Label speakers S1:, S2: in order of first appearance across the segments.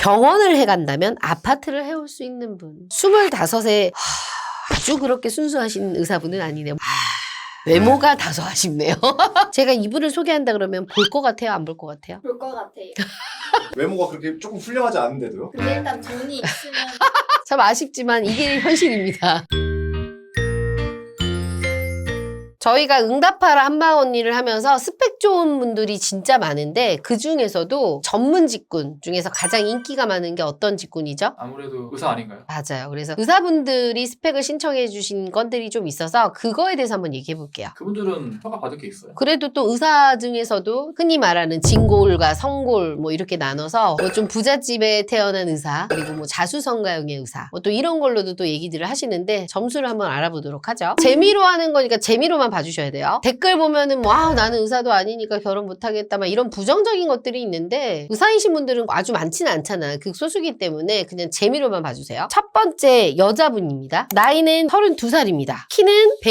S1: 병원을 해간다면 아파트를 해올 수 있는 분. 25에 아주 그렇게 순수하신 의사분은 아니네요. 외모가 다소 아쉽네요. 제가 이분을 소개한다 그러면 볼 것 같아요? 안 볼 것 같아요?
S2: 볼 것 같아요.
S3: 외모가 그렇게 조금 훌륭하지 않은데도요?
S2: 근데 일단 돈이 있으면
S1: 참 아쉽지만 이게 현실입니다. 저희가 응답하라 한방 언니를 하면서 스펙 좋은 분들이 진짜 많은데 그 중에서도 전문 직군 중에서 가장 인기가 많은 게 어떤 직군이죠?
S4: 아무래도 의사 아닌가요?
S1: 맞아요. 그래서 의사분들이 스펙을 신청해 주신 건들이 좀 있어서 그거에 대해서 한번 얘기해 볼게요.
S4: 그분들은 허가 받을 게 있어요?
S1: 그래도 또 의사 중에서도 흔히 말하는 진골과 성골 뭐 이렇게 나눠서 뭐 좀 부잣집에 태어난 의사 그리고 뭐 자수성가형의 의사 뭐 또 이런 걸로도 또 얘기들을 하시는데 점수를 한번 알아보도록 하죠. 재미로 하는 거니까 재미로만 봐주셔야 돼요. 댓글 보면은 뭐 나는 의사도 아니니까 결혼 못하겠다 막 이런 부정적인 것들이 있는데 의사이신 분들은 아주 많지는 않잖아. 극소수기 때문에 그냥 재미로만 봐주세요. 첫 번째 여자분입니다. 나이는 32살입니다. 키는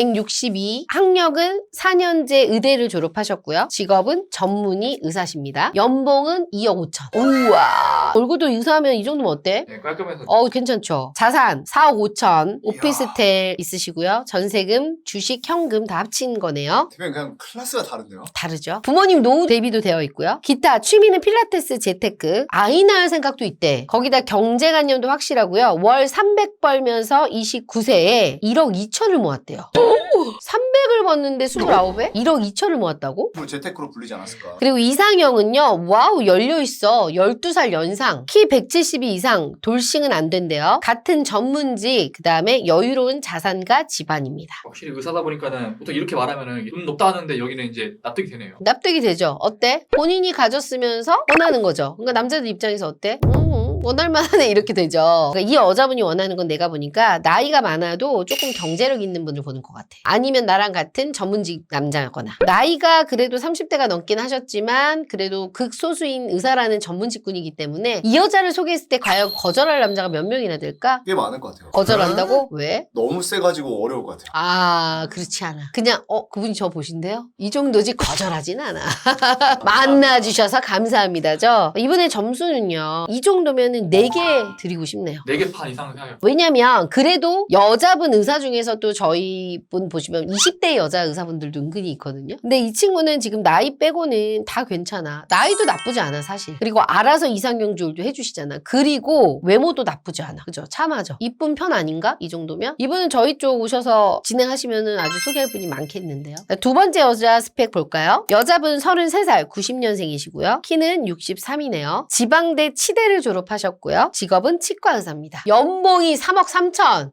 S1: 162, 학력은 4년제 의대를 졸업하셨고요. 직업은 전문의 의사십니다. 연봉은 2억 5천. 우와. 얼굴도 의사하면 이 정도면 어때?
S4: 네, 깔끔해서.
S1: 괜찮죠. 자산 4억 5천, 오피스텔 있으시고요. 전세금, 주식, 현금 다 합친 거네요.
S3: 대표님 그냥 클래스가 다른데요?
S1: 다르죠. 부모님 노후 대비도 되어 있고요. 기타 취미는 필라테스, 재테크, 아이 낳을 생각도 있대. 거기다 경제관념도 확실하고요. 월 300 벌면서 29세에 1억 2천을 모았대요. 300을 벌는데 29에 1억 2천을 모았다고?
S3: 뭐 재테크로 불리지 않았을까?
S1: 그리고 이상형은요. 와우 열려있어. 12살 연상. 키 172 이상. 돌싱은 안 된대요. 같은 전문직. 그 다음에 여유로운 자산가 집안입니다.
S4: 확실히 의사다 보니까는 보통 이렇게 말하면은 돈 높다 하는데 여기는 이제 납득이 되네요.
S1: 납득이 되죠. 어때? 본인이 가졌으면서 원하는 거죠. 그러니까 남자들 입장에서 어때? 원할만하네 이렇게 되죠. 그러니까 이 여자분이 원하는 건 내가 보니까 나이가 많아도 조금 경제력 있는 분을 보는 것 같아. 아니면 나랑 같은 전문직 남자거나 나이가 그래도 30대가 넘긴 하셨지만 그래도 극소수인 의사라는 전문직군이기 때문에 이 여자를 소개했을 때 과연 거절할 남자가 몇 명이나 될까?
S3: 꽤 많을 것 같아요.
S1: 거절한다고? 왜?
S3: 너무 세가지고 어려울 것 같아요.
S1: 그렇지 않아. 그냥 그분이 저 보신대요? 이 정도지 거절하진 않아. 만나주셔서 감사합니다죠. 이번에 점수는요. 이 정도면 4개 드리고 싶네요.
S4: 4개 판 이상 생각해요.
S1: 왜냐면 그래도 여자분 의사 중에서 또 저희 분 보시면 20대 여자 의사분들도 은근히 있거든요. 근데 이 친구는 지금 나이 빼고는 다 괜찮아. 나이도 나쁘지 않아 사실. 그리고 알아서 이상형 조율도 해주시잖아. 그리고 외모도 나쁘지 않아. 그죠? 참하죠. 이쁜 편 아닌가? 이 정도면? 이분은 저희 쪽 오셔서 진행하시면은 아주 소개할 분이 많겠는데요. 두 번째 여자 스펙 볼까요? 여자분 33살 90년생이시고요. 키는 63이네요. 지방대 치대를 졸업하셨고 직업은 치과 의사입니다. 연봉이 3억 3천.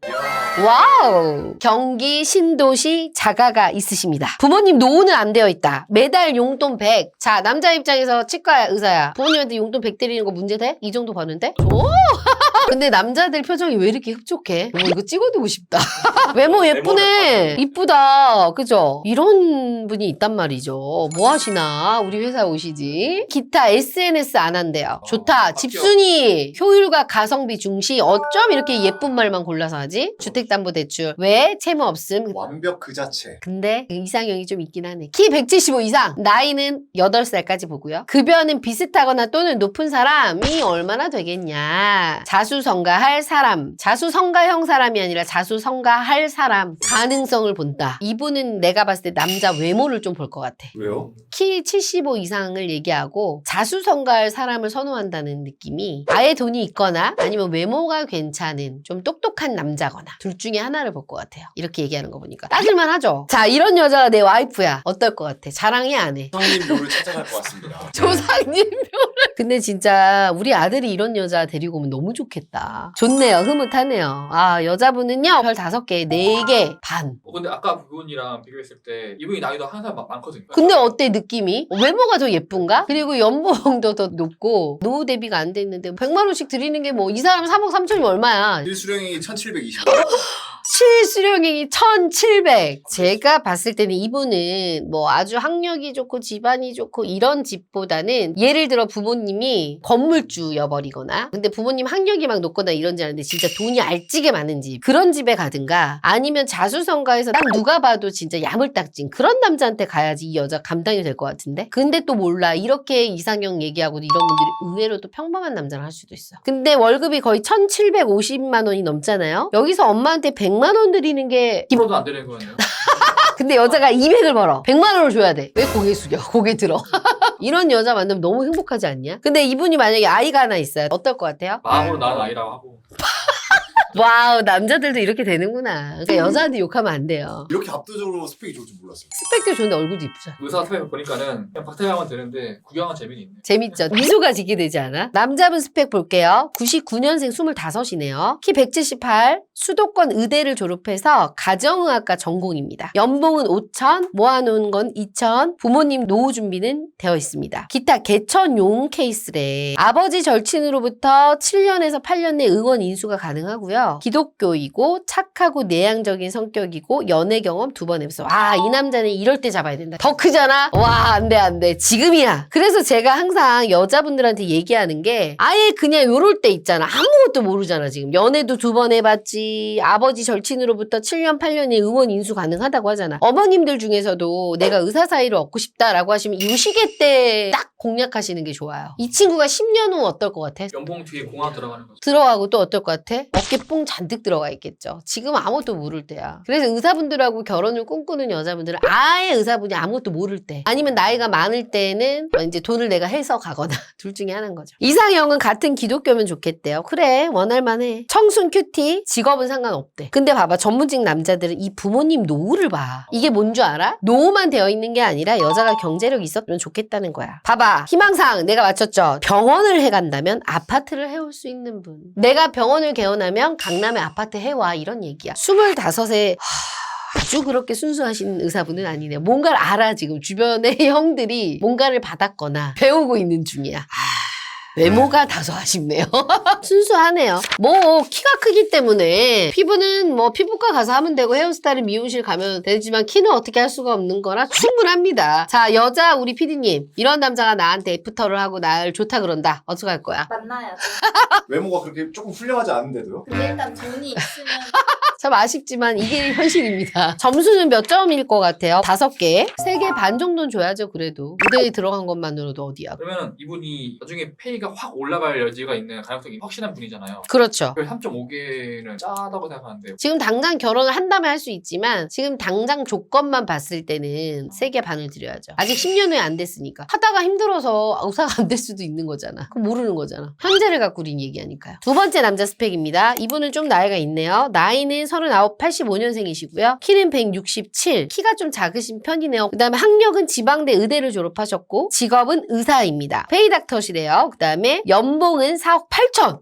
S1: 와우. 경기 신도시 자가가 있으십니다. 부모님 노후는 안 되어 있다. 매달 용돈 100. 자, 남자 입장에서 치과 의사야. 부모님한테 용돈 100 드리는 거 문제 돼? 이 정도 버는데? 오! 근데 남자들 표정이 왜 이렇게 흡족해? 이거 찍어두고 싶다. 외모 예쁘네. 이쁘다. 그죠? 이런 분이 있단 말이죠. 뭐 하시나? 우리 회사 오시지? 기타 SNS 안 한대요. 좋다. 집순이. 효율과 가성비 중시. 어쩜 이렇게 예쁜 말만 골라서 하지? 주택담보대출. 왜? 채무 없음.
S3: 완벽 그 자체.
S1: 근데 이상형이 좀 있긴 하네. 키 175 이상. 나이는 8살까지 보고요. 급여는 비슷하거나 또는 높은 사람이 얼마나 되겠냐. 자수성가할 사람. 자수성가형 사람이 아니라 자수성가할 사람. 가능성을 본다. 이분은 내가 봤을 때 남자 외모를 좀 볼 것 같아.
S3: 왜요?
S1: 키 75 이상을 얘기하고 자수성가할 사람을 선호한다는 느낌이 아예 돈이 있거나 아니면 외모가 괜찮은 좀 똑똑한 남자거나 둘 중에 하나를 볼 것 같아요. 이렇게 얘기하는 거 보니까 따질만 하죠. 자, 이런 여자가 내 와이프야. 어떨 것 같아? 자랑해 안 해?
S3: 조상님 묘를 찾아갈 것 같습니다.
S1: 조상님 묘를. 근데 진짜 우리 아들이 이런 여자 데리고 오면 너무 좋겠다. 좋네요. 흐뭇하네요. 여자분은요. 별 5개, 4개 반.
S4: 근데 아까 그분이랑 비교했을 때 이분이 나이도 한 살 많거든요.
S1: 근데 어때 느낌이? 외모가 더 예쁜가? 그리고 연봉도 더 높고 노후 대비가 안 돼 있는데 100만 원씩 드리는 게 뭐 이 사람 3억 3천이면 얼마야?
S3: 일수령이 1720.
S1: 실수령액이 1,700. 제가 봤을 때는 이분은 뭐 아주 학력이 좋고 집안이 좋고 이런 집보다는 예를 들어 부모님이 건물주여버리거나 근데 부모님 학력이 막 높거나 이런지 아는데 진짜 돈이 알찌게 많은 집 그런 집에 가든가 아니면 자수성가해서 딱 누가 봐도 진짜 야물딱진 그런 남자한테 가야지 이 여자 감당이 될 것 같은데 근데 또 몰라 이렇게 이상형 얘기하고 이런 분들이 의외로 또 평범한 남자를 할 수도 있어 근데 월급이 거의 1,750만 원이 넘잖아요 여기서 엄마한테 100만 원 드리는 게
S4: 프로도 안 되는 거네요.
S1: 근데 여자가 200을 벌어 100만 원을 줘야 돼 왜 고개 숙여 고개 들어 이런 여자 만나면 너무 행복하지 않냐 근데 이분이 만약에 아이가 하나 있어요 어떨 것 같아요?
S4: 마음으로 낳은 아이라고 하고.
S1: 와우 남자들도 이렇게 되는구나 그러니까 여자한테 욕하면 안 돼요
S3: 이렇게 압도적으로 스펙이 좋을 줄 몰랐어요.
S1: 스펙도 좋은데 얼굴도 이쁘잖아
S4: 의사 스펙 보니까는 그냥 박태양은 되는데 구경한 재미는 있네.
S1: 재밌죠? 미소가 지게 되지 않아? 남자분 스펙 볼게요. 99년생 25이네요. 키 178, 수도권 의대를 졸업해서 가정의학과 전공입니다. 연봉은 5천, 모아놓은 건 2천, 부모님 노후 준비는 되어 있습니다. 기타 개천용 케이스래. 아버지 절친으로부터 7년에서 8년 내 응원 인수가 가능하고요. 기독교이고 착하고 내향적인 성격이고 연애 경험 2번 해봤어. 아, 이 남자는 이럴 때 잡아야 된다. 더 크잖아? 와, 안 돼, 안 돼. 지금이야. 그래서 제가 항상 여자분들한테 얘기하는 게 아예 그냥 요럴 때 있잖아. 아무것도 모르잖아, 지금. 연애도 2번 해봤지. 아버지 절친으로부터 7년, 8년의 응원 인수 가능하다고 하잖아. 어머님들 중에서도 내가 의사 사이를 얻고 싶다라고 하시면 이 시기 때 딱 공략하시는 게 좋아요. 이 친구가 10년 후 어떨 것 같아?
S4: 연봉 뒤에 공항 들어가는 거죠.
S1: 들어가고 또 어떨 것 같아? 어깨 뽕 잔뜩 들어가 있겠죠. 지금 아무것도 모를 때야. 그래서 의사분들하고 결혼을 꿈꾸는 여자분들은 아예 의사분이 아무것도 모를 때 아니면 나이가 많을 때는 이제 돈을 내가 해서 가거나 둘 중에 하나인 거죠. 이상형은 같은 기독교면 좋겠대요. 그래 원할만해. 청순 큐티 직업은 상관없대. 근데 봐봐 전문직 남자들은 이 부모님 노후를 봐. 이게 뭔 줄 알아? 노후만 되어 있는 게 아니라 여자가 경제력이 있었으면 좋겠다는 거야. 봐봐 희망사항 내가 맞췄죠. 병원을 해간다면 아파트를 해올 수 있는 분. 내가 병원을 개원하면 강남에 아파트 해와 이런 얘기야. 25에 아주 그렇게 순수하신 의사분은 아니네요. 뭔가를 알아 지금 주변의 형들이 뭔가를 받았거나 배우고 있는 중이야. 외모가 다소 아쉽네요. 순수하네요. 뭐 키가 크기 때문에 피부는 뭐 피부과 가서 하면 되고 헤어스타일은 미용실 가면 되지만 키는 어떻게 할 수가 없는 거라 충분합니다. 자 여자 우리 PD님 이런 남자가 나한테 애프터를 하고 날 좋다 그런다. 어떻게 할 거야?
S2: 만나야죠.
S3: 외모가 그렇게 조금 훌륭하지 않은데도요?
S2: 근데 일단 돈이 있으면
S1: 참 아쉽지만 이게 현실입니다. 점수는 몇 점일 것 같아요? 5개? 3개 반 정도는 줘야죠 그래도. 무대에 들어간 것만으로도 어디야.
S4: 그러면 이분이 나중에 페이가 확 올라갈 여지가 있는 가능성이 확실한 분이잖아요.
S1: 그렇죠.
S4: 3.5개는 짜다고 생각하는데요.
S1: 지금 당장 결혼을 한다면 할 수 있지만 지금 당장 조건만 봤을 때는 3개 반을 드려야죠. 아직 10년 후에 안 됐으니까. 하다가 힘들어서 의사가 안 될 수도 있는 거잖아. 그럼 모르는 거잖아. 현재를 갖고 우린 얘기하니까요. 두 번째 남자 스펙입니다. 이분은 좀 나이가 있네요. 나이는 39, 85년생이시고요. 키는 167, 키가 좀 작으신 편이네요. 그 다음에 학력은 지방대 의대를 졸업하셨고 직업은 의사입니다. 페이닥터시래요. 그 다음에 연봉은 4억 8천.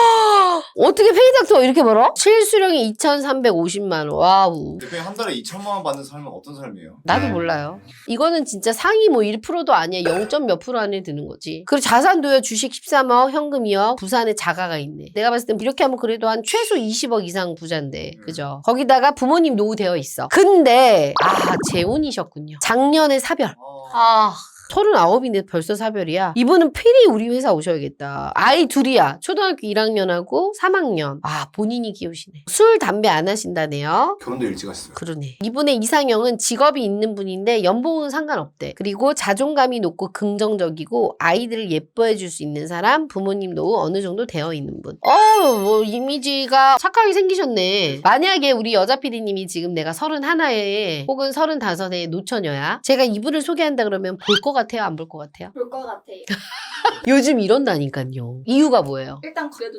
S1: 어떻게 페이닥터 이렇게 벌어? 실수령이 2,350만 원. 와우.
S3: 대표님 한 달에 2천만 원 받는 삶은 어떤 삶이에요?
S1: 나도 몰라요. 이거는 진짜 상위 뭐 1%도 아니야. 0. 몇 프로 안에 드는 거지. 그리고 자산도요. 주식 13억, 현금이요. 부산에 자가가 있네. 내가 봤을 땐 이렇게 하면 그래도 한 최소 20억 이상 부자인데. 그죠? 거기다가 부모님 노후 되어 있어. 근데 재혼이셨군요. 작년에 사별. 39인데 벌써 사별이야. 이분은 필히 우리 회사 오셔야겠다. 아이 둘이야. 초등학교 1학년하고 3학년. 본인이 키우시네. 술, 담배 안 하신다네요.
S3: 결혼도 일찍 하셨어요.
S1: 그러네. 이분의 이상형은 직업이 있는 분인데 연봉은 상관없대. 그리고 자존감이 높고 긍정적이고 아이들을 예뻐해 줄 수 있는 사람, 부모님 노후 어느 정도 되어 있는 분. 뭐 이미지가 착하게 생기셨네. 만약에 우리 여자 PD님이 지금 내가 31에 혹은 35에 노처녀야. 제가 이분을 소개한다 그러면 볼 것 같아요? 안 볼 것 같아요?
S2: 볼 것 같아요.
S1: 요즘 이런다니까요. 이유가 뭐예요?
S2: 일단 그래도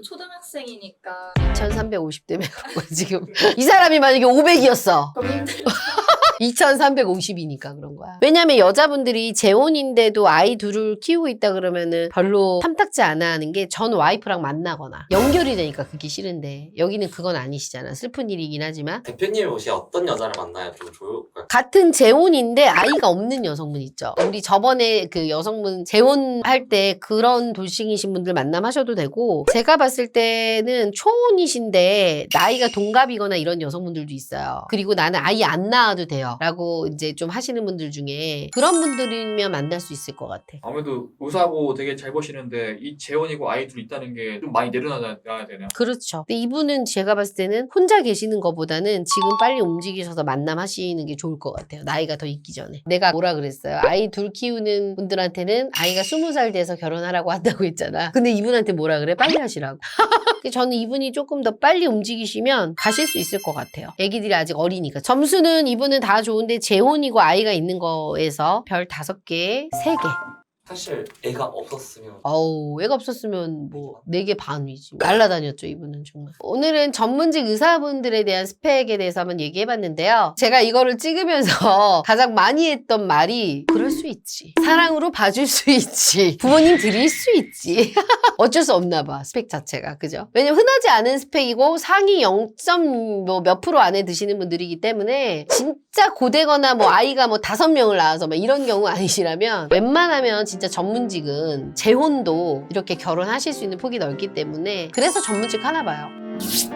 S2: 초등학생이니까
S1: 1350대면 지금 이 사람이 만약에 500이었어.
S2: 그럼 힘들죠.
S1: 2350이니까 그런 거야. 왜냐면 여자분들이 재혼인데도 아이 둘을 키우고 있다 그러면은 별로 탐탁지 않아 하는 게 전 와이프랑 만나거나 연결이 되니까 그게 싫은데 여기는 그건 아니시잖아. 슬픈 일이긴 하지만.
S2: 대표님 혹시 어떤 여자를 만나야 좀 좋을까요?
S1: 같은 재혼인데 아이가 없는 여성분 있죠. 우리 저번에 그 여성분 재혼할 때 그런 돌싱이신 분들 만남하셔도 되고, 제가 봤을 때는 초혼이신데 나이가 동갑이거나 이런 여성분들도 있어요. 그리고 나는 아이 안 낳아도 돼요 라고 이제 좀 하시는 분들 중에 그런 분들이면 만날 수 있을 것 같아.
S4: 아무래도 의사고 되게 잘 버시는데 이 재혼이고 아이 둘 있다는 게 좀 많이 내려놔야 되네요.
S1: 그렇죠. 근데 이분은 제가 봤을 때는 혼자 계시는 것보다는 지금 빨리 움직이셔서 만남하시는 게 좋을 것 같아요. 나이가 더 있기 전에. 내가 뭐라 그랬어요? 아이 둘 키우는 분들한테는 아이가 20살 돼서 결혼하라고 한다고 했잖아. 근데 이분한테 뭐라 그래? 빨리 하시라고. 저는 이분이 조금 더 빨리 움직이시면 가실 수 있을 것 같아요. 애기들이 아직 어리니까. 점수는 이분은 다 좋은데 재혼이고 아이가 있는 거에서 별 5개, 3개.
S2: 사실 애가 없었으면
S1: 어우, 애가 없었으면 뭐 4개 반이지. 날라다녔죠, 이분은 정말. 오늘은 전문직 의사분들에 대한 스펙에 대해서 한번 얘기해봤는데요. 제가 이거를 찍으면서 가장 많이 했던 말이 그럴 수 있지. 사랑으로 봐줄 수 있지. 부모님 드릴 수 있지. 어쩔 수 없나 봐, 스펙 자체가. 그죠? 왜냐면 흔하지 않은 스펙이고 상위 0. 몇 프로 안에 드시는 분들이기 때문에 진짜 고되거나 뭐 아이가 뭐 5명을 낳아서 막 이런 경우 아니시라면 웬만하면 진짜 전문직은 재혼도 이렇게 결혼하실 수 있는 폭이 넓기 때문에 그래서 전문직 하나 봐요.